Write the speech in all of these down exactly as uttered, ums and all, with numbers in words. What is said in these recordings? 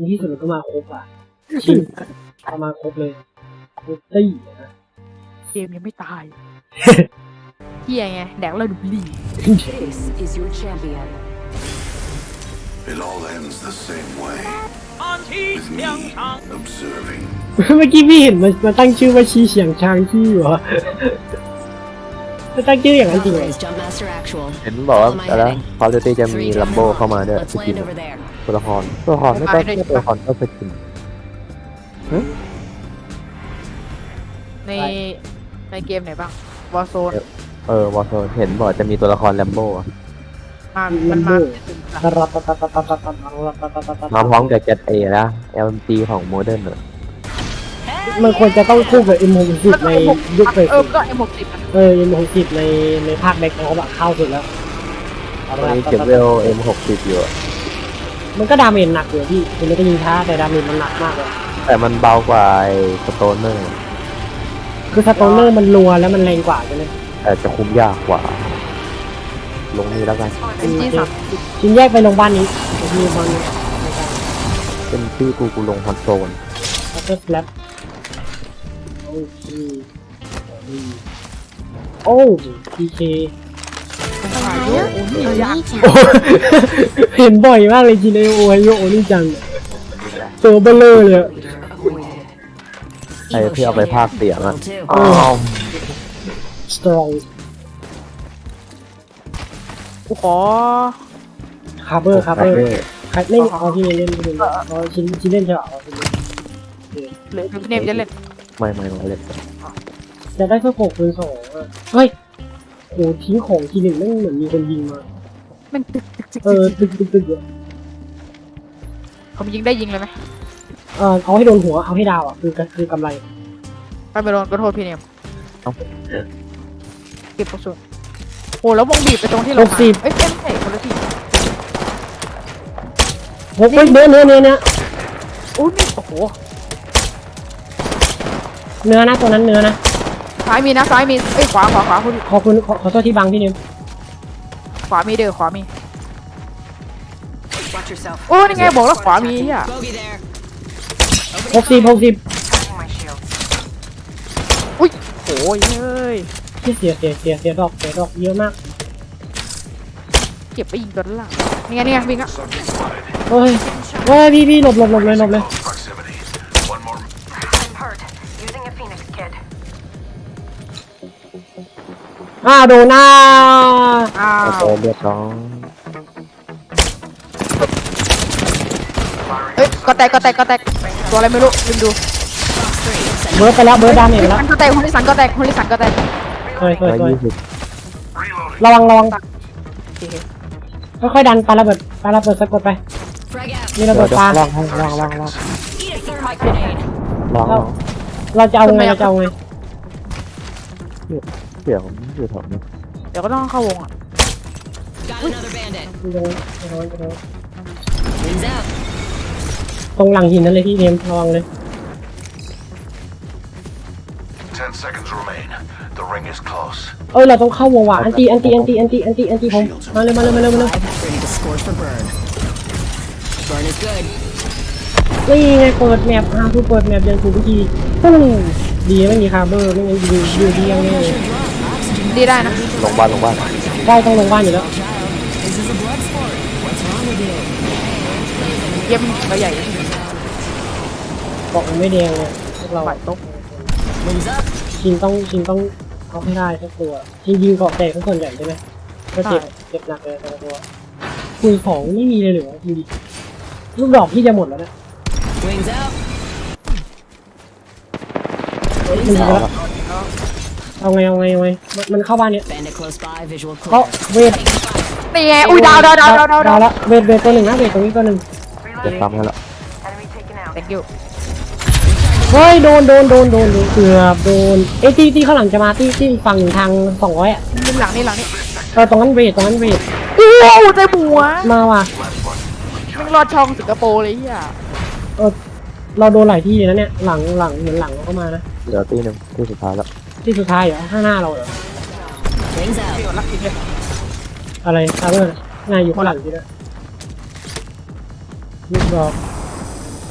ในที่สุดมันก็มาครบอ่ะจริงเอามาครบเลยครบตี้นะเกมยังไม่ตายเฮียไงแดกเราดูดี This is your champion. It all ends the same way. With me observing. เมื่อกี้พี่เห็นมันมันตั้งชื่อว่าชีเฉียงชางชี่เหรอมันตั้งชื่ออย่างนั้นจริงเหรอ Authorized jump master actual. เห็นบอกว่าอะไรคอร์ดิตี้จะมีลัมโบเข้ามาด้วย Let's สกิน land over there. ตัวละครตัวละครไม่ต้องตัวละครก็สกินในในเกมไหนบ้างวอร์โซนเออวอลโซเห็นบอกจะมีตัวละครลัมโบมามันมาตะรัตตะตะตะตะตะตะตะตะตะตะตะมาพร้อมกับเจ็ดเอนะ แอล เอ็ม จี ของโมเดิร์นเนอะมันควรจะต้องคู่กับ เอ็ม หกสิบ ในยุคเฟสเออก็เอ็มหกสิบเออ เอ็ม หกสิบในในภาคแบ็คเขาแบบเข้าสุดแล้วตอนนี้เก็บเวล เอ็ม หกสิบ อยู่มันก็ดาเมจหนักอยู่พี่คือมันก็ยิงช้าแต่ดาเมจมันหนักมากเลยแต่มันเบากว่าไอ้สโตนเนอร์คือสโตนเนอร์มันรัวแล้วมันแรงกว่าใช่ไหมแต่จะคุ้มยากกว่า ลงนี้แล้วกันเป็นที่สามสิบชิ้นแยกไปโรงพยาบาลนี้มีบอลเป็นชื่อกูกูลงฮอตโซนคัตเตอร์สแลปโอ้ชีโอ้พีเคอายุโอ้นี่ยากเห็นบ่อยมากเลยจีเนโอไฮโยโอนี่จังตัวเบลเลอร์เลยไอ้ที่เอาไปภาคเสียงอะ Level two. อ้าวสตรองกูขอคาร์เบอร์คาร์เบอร์ใครเล่นเอาที่เล่นที่เล่นเอาชิ้นชิ้นเล่นใช่ป่ะเอาชิ้นเล่นเหลือพี่เนมจะเล่นไม่ไม่ไม่เล่นจะได้แค่หกคูณสองอ่ะเฮ้ยโหทิ้งของทีหนึ่งนั่งเหมือนมีคนยิงมามันตึกตึกตึกเออตึกตึกตึกเขายิงได้ยิงเลยไหมเออเอาให้โดนหัวเอาให้ดาวอ่ะคือคือกำไรไปไปโดนก็โทษพี่เนมเก็บกระสุนโอ้แล้ววงบีบไปตรงที่เรามาเอ้ยไม่ใช่คนละที่หกเฮ้ยเนื้อเนื้อเนื้อเนื้อโอ้นี่โอ้โหเนื้อนะตัวนั้นเนื้อนะซ้ายมีนะซ้ายมีเอ้ยขวาขวาขวาคุณขอบคุณขอขอโทษที่บังพี่นิมขวามีเด้อขวามี Watch yourself. โอ้นี่ไงบอกแล้วขวามีอ่ะ Bogey there. หกสิบหกสิบอุ้ยโอ้ยเฮ้ยที่เสียเสียเสียเสียดอกเสียดอกเยอะมากเก็บไปยิงตัวด้านหลังนี่ไงนี่ไงวิ่งอ่ะ Subject spotted. เฮ้ยเฮ้ยพี่พี่หลบหลบหลบเลยหลบเลย Close proximity. One more. I'm hurt. Using a Phoenix kit. อ้าวโดนหน้าอ้าโอเคว เรียบร้อยเอ้ยก็แตกก็แตกก็แตกตัวอะไรไม่รู้ลืมดูเบิร์ดไปแล้วเบิร์ดดาเมจไปแล้วมันก็แตกคนที่สันก็แตกคนที่สันก็แตกสวยสวยร้อยสวยยี่สิบ Reloading. ระวังระวังโอเคค่อยๆดันปาระเบิดปาระเบิดสะกดไป Frag out. นี่ระเบิดปลาลองให้ลองลองลอง Eat a thermite grenade. ลองลองเราจะเอาไงเราจะเอาไงเสียงอยู่แถวนี้เดี๋ยวก็ต้องเข้าวงอ่ะ Got another bandit. ตรงตรงตรง Wings out. ตรงหลังหินนั่นเลยพี่เนมระวังเลย Ten seconds remain. The ring is close. เอ้ยเราต้องเข้าวงว่ะอันตีอันตีอันตีอันตีอันตีอันตีผมมาเลยมาเลยมาเลยมาเลย Ready to score for burn. Burn is good. นี่ไงเปิดแมปฮาทูเปิดแมปยังถูกวิธีปุ้งดีไม่มีคาร์เบอร์ไม่งั้นดูดูดียังไงดีได้นะลงบ้านลงบ้านได้ต้องลงบ้านอยู่แล้ว This is a blood sport. What's wrong with you? เยี่ยมก็ใหญ่เกาะมันไม่แดงเลยพวกเราฝ่ายตก Wings up. ชินต้องชินต้องเอาให้ได้สักตัวชินยิงเกาะแตกทั้งส่วนใหญ่ใช่ไหมก็เจ็บเจ็บหนักเลยแต่ละตัวคุยของไม่มีเลยเหรอจริงๆลูกดอกที่จะหมดแล้วนะ Wings out. มันยิงไปแล้วเอาไงเอาไงเอาไงมันมันเข้าบ้านเนี้ย Bandit close by. Visual เขา clear. เวทนี่ไงอุ้ยดาวดาวดาวดาวดาวดาวละเวทเวทตัวหนึ่งนะเวทตรงนี้ตัวหนึ่งเดี๋ยวซ้ำให้ละ Enemy taken out. thank you เฮ้ยโดนโดนโดนโดนเกือบโดนเอ้ยที่ที่ข้างหลังจะมาที่ที่ฝั่งทางสองร้อยอ่ะนี่หลังนี่หลังนี่เออตรงนั้นเวทตรงนั้นเวทโอ้โหใจหัวมาว่ะมึงรอดช่องสิงคโปร์เลยเฮียเออเราโดนหลายที่เลยนะเนี่ยหลังหลังเหมือนหลังเราเข้ามานะเหลือตีหนึ่งที่สุดท้ายแล้วที่สุดท้ายเหรอข้างหน้าเราเหรอ Wings out. เดี๋ยวรักจริงเลยอะไรคาร์เบอร์นายอยู่ข้างหลังที่นั่นลูกดอก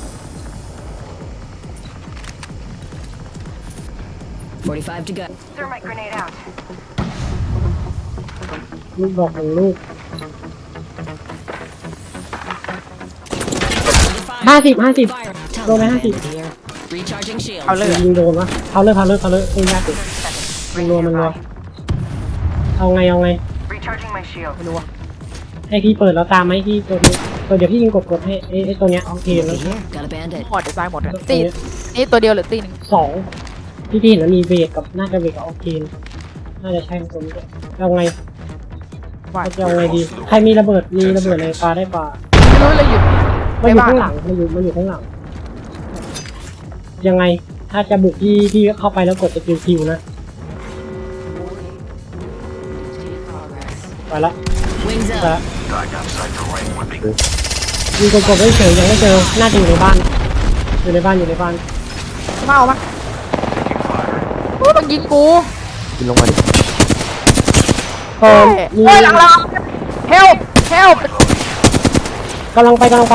forty-five to go. Thermite grenade out. ลูกดอกของลูกห้าสิบห้าสิบ Fire. Go, man. Taliban here. Recharging shield. เอาเลยอะยิงโดนวะเขาเลยเขาเลยเขาเลยไม่ยากเลยมันรัวมันรัวเอาไงเอาไง Recharging my shield. ไม่รู้อะให้พี่เปิดแล้วตามไหมพี่ตัวนี้ตัวเดี๋ยวพี่ยิงกดกดให้ไอ้ไอ้ตัวเนี้ยโอเคแล้ว Here. Got a bandit. หมดจะตายหมดอะตีนี่ตัวเดียวหรือตีหนึ่งสองที่พี่เห็นแล้วมีเวทกับน่าจะเวทกับโอเคน่าจะใช่ตัวนี้ด้วยเอาไงว่าจะเอาไงดีใครมีระเบิดมีระเบิดในปลาได้ปลาไม่รู้เลยหยุดมันอยู่ข้างหลังมันอยู่มันอยู่ข้างหลังยังไงถ้าจะบุกที่ที่เข้าไปแล้วกดสกิลคิวนะไปละ Wings ไป up. ละ Dying outside the ring would be ยิงกดๆไม่เฉยยังไม่เจอน่าจะอยู่ในบ้านอยู่ในบ้านอยู่ในบ้านมาเอามาโอ้ยมันยิงกูขึ้นลงมาดิเออมีเฮ้ยหลังเราเฮลเฮลกำลังไปกำลังไป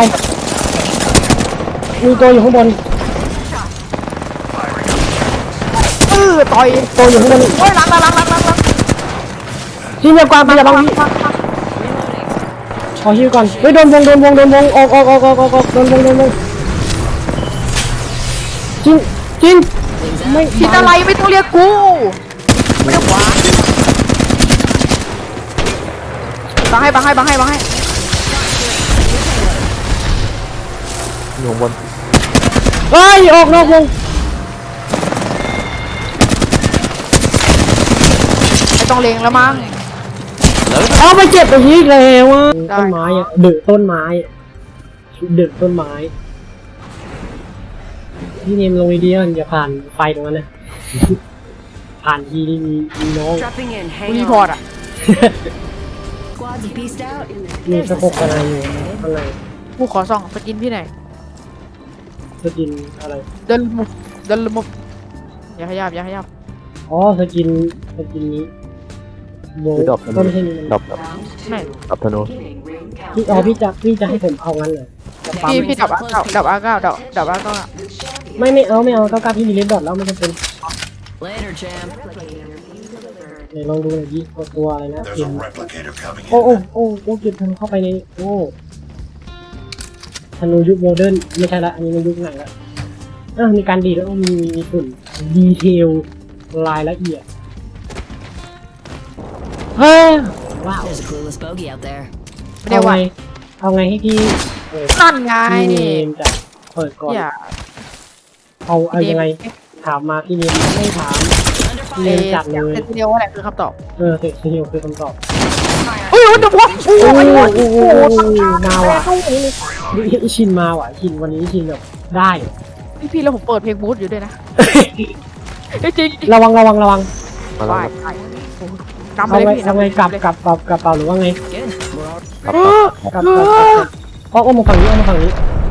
มีตัวอยู่ข้างบนเออต่อยตัวอยู่ข้างบนโอ้ยหลังหลังหลังหลังหลังหลังทีเดียวกว่าไปอย่าบังพี่ขอฮิวก่อนเฮ้ยโดนวงโดนวงโดนวงออกออกออกออกออกออกโดนวงโดนวงจินจินไม่ผิดอะไรไม่ต้องเรียกกูไม่ได้หวานบังให้บังให้บังให้บังให้อยู่ข้างบนเฮ้ยออกนอกวงไม่ต้องเลงแล้วมั้งเอาไปเจ็บไปอีกแล้วอ่ะได้ต้นไม้อ่ะเดือดต้นไม้เดือดต้นไม้พี่เนมลงไอเดียอย่าผ่านไฟตรงนั้นนะผ่านทีนี่มีมีน้อง Dropping in. กู Hang รี on. พอร์ตอะ Squads beast out. มีสะโพกอะไรอยู่ข้างในกูขอส่องสกินพี่หน่อยสกินอะไรเดินมุฟเดินมุฟอย่าขยับอย่าขยับอ๋อสกินสกินนี้โบคือดรอปธต้นนูไม่ใช่นี่ดรอปดรอปไม่ดรอปธนูพี่อ๋อพี่จะพี่จะให้ผมเอางั้นเลยจะปั๊มพี่พี่ดับอาเก้าดับอาเก้าดับดับอาเก้าอะไม่ไม่เอาไม่เอาต้องการพี่มีเลนดอทแล้วมันจะเป็น Later, champ. ไหนลองดูหน่อยดิว่าตัวอะไรนะ there's เก็บ a replicator coming โอ้ in. โอ้โอ้โอ้เก็บธนูเข้าไปในโอ้ธนูยุคโมเดิร์นไม่ใช่ละอันนี้มันยุคไหนละเออมีการดีดแล้วมีมีฝุ่นดีเทลรายละเอียดเฮ้ยว้าว There's a clueless bogey out there. ไม่ได้เอาไหวไงเอาไงให้พี่เออนั่นไงพี่เนมจะเปิดก่อนอย่าเอาเอายังไงถามมาพี่เนมไม่ถามพี่เนเอมจัดเลยเซนติเนลว่าอะไรคือคำตอบเออเสร็จทีเดียวคือคำตอบเฮ้ยเดี๋ยววะโอ้โอ้ยโหโอ้โอ้โหโหมาว่ะนี่ชินมาว่ะชินวันนี้ชินแบบได้พี่พี่แล้วผมเปิดเพลงบูธอยู่ด้วยนะจริงระวังระวังระวังมาๆแล้วไปครับไปกำไปเอาเลยไงพี่เอาไงกลับกลับกลับกลับเปล่าหรือว่าไง Good. We're all ครับเออกลับกลับกลับกลับเพราะเอามาฝั่งนี้เอามาฝั่งนี้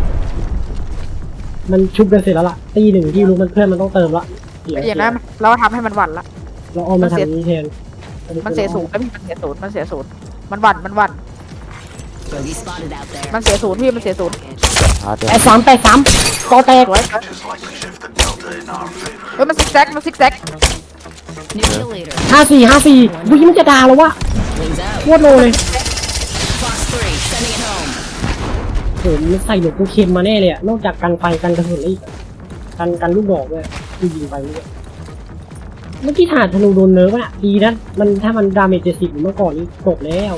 มันชุบกันเสร็จแล้วล่ะตีหนึ่งที่รู้มันเพื่อนมันต้องเติมละเดี๋ยวอย่างนั้นเราทำให้มันหวั่นละเราเอามาทางนี้แทนมันเสียศูนย์แล้วพี่มันเสียศูนย์มันเสียศูนย์มันหวั่นมันหวั่น bogey spotted out there. มันเสียศูนย์พี่มันเสียศูนย์ชาร์จแปดสามแปดสามกอแตกสวย Just like to shift the delta in our favor. เฮ้ยมันซิกแซกมันซิกแซก New kill leader. ห้าสี่ห้าสี่วิ่งมันจะด่าแล้ววะ Wings out. โคตรโลเลย Fox three. Sending it home. ผมใส่หลวงปูเค็มมาแน่เลยอะนอกจากกันไฟกันกระสุนแล้วอีกอะกันกันลูกดอกด้วยที่ยิงไปเมื่อกี้เมื่อกี้ถาดธนูโดนเนิร์ฟอะดีนะมันถ้ามันดาเมจเจ็ดสิบเมื่อก่อนนี้ตกแล้ว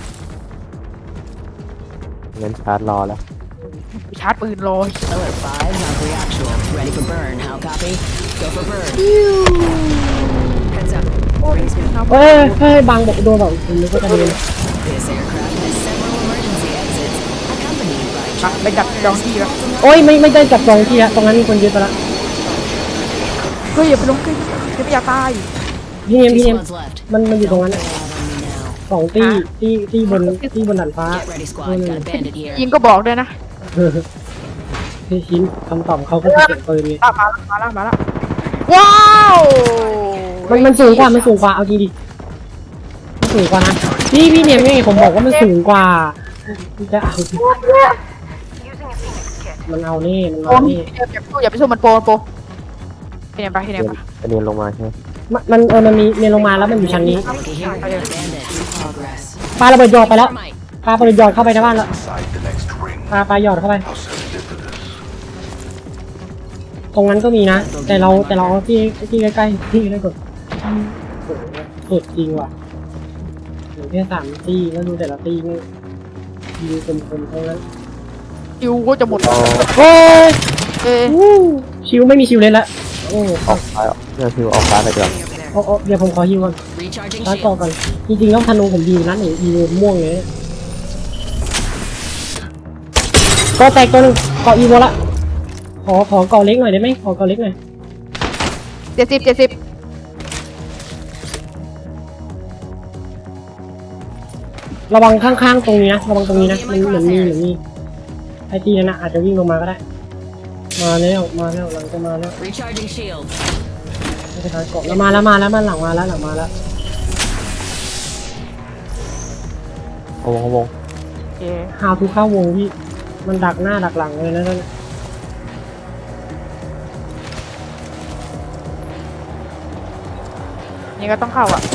งั้นชาร์จรอแล้วชาร์จปืนรอ Alert five. Valkyrie actual. Ready for burn. How copy? Go for burn. Heads up. Rings moving. เฮ้ยเฮ้ยบางบอกโดนแบบผมนึกว่าจะโดน This aircraft has several emergency exits, accompanied by ไปจับจองที่แล้วโอ้ยไม่ไม่ได้จับจองที่ฮะตรงนั้นมีคนยึดไปละเฮ้ยอย่าไปลงขึ้นจะไม่อยากตายพี่เนม two พี่เนม squads left. มันมันอยู่ตรงนั้นอะ Out on me now. สองตีตีตีบนตีบนดันฟ้า Get ready, squad. Got a bandit here. ยิงก็บอกด้วยนะพี่ชิ้นคำตอบเขาก็จะเสียงปืนไงอ่ะมาแล้วมาแล้วมาแล้วว้าวมันมันสูงกว่ามันสูงกว่าเอาจริงดิมันสูงกว่านะพี่พี่เนมไงผมบอกว่ามันสูงกว่าจะเอา Using a Phoenix kit. มันเอานี่มันโปเอานี่อย่าไปสู้อย่าไปสู้มันโปรโปรพี่เนมไปพี่เนมไปอันนี้ลงมาใช่ไหมมันมันเออมันมีเมนลงมาแล้วมันอยู่ชั้นนี้ Looky here. Bandit in progress. ปาระเบิดหยอดไปแล้ว Thermite. ปาระเบิดหยอดเข้าไปในบ้านแล้ว Inside the next ring. ปาปาหยอดเข้าไป How sensitive to this? ตรงนั้นก็มีนะ แต่เราแต่เราเอาที่ที่ใกล้ๆที่ได้ก่อนโอ้โหสุดจริงว่ะเหลือแค่สามตีแล้วดูแต่ละตีนี่ยิงคมๆทั้งนั้นคิวก็จะหมดเอาโอ้ยเอ้ยวู้ชิวไม่มีชิวเลยละโอ้ออกซ้ายออกเนี่ยคือออกซ้ายไปก่อนเอาเอาเดี๋ยวผมขอฮิวก่อน Recharging ร้านต่อ shield. ก่อนจริงๆแล้วธนูผมดีอยู่ร้านไหนดีม่วงเลยก็แตกตัวหนึงเกาะอีโวละขอขอเกาะเล็กหน่อยได้ไหมขอเกาะเล็กหน่อยเจ็ดสิบเจ็ดสิบระวังข้างๆตรงนี้นะระวังตรงนี้นะมันเหมือนมีเหมือนมีไอทีนั่นนะอาจจะวิ่งลงมาก็ได้ มาแล้วมาแล้วหลังจะมาแล้ว Recharging shield. ไม่ใช่ทางเกาะแล้วมาแล้วมาแล้วมาหลังมาแล้วหลังมาแล้วเอาวงเอาวงโอเคฮาวทูเข้าวงพี่มันดักหน้าดักหลังเลยนะนั่นนี่ก็ต้องเข้าอ่ะ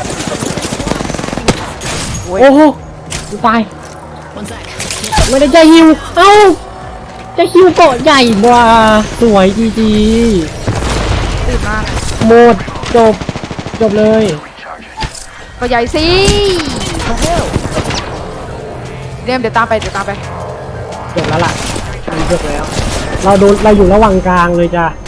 โอ้ยโอ้โหกูตาย One sec. ไม่ได้ใจฮิวเอ้าใจฮิวเกาะใหญ่ว่ะสวยจีจีตื่นมากหมดจบจบเลย Recharging. ก็ใหญ่สิเรียมเดี๋ยวตามไปเดี๋ยวตามไปจบแล้วล่ะมันจบแล้ว เราโดนเราอยู่ระหว่างกลางเลยจ้ะ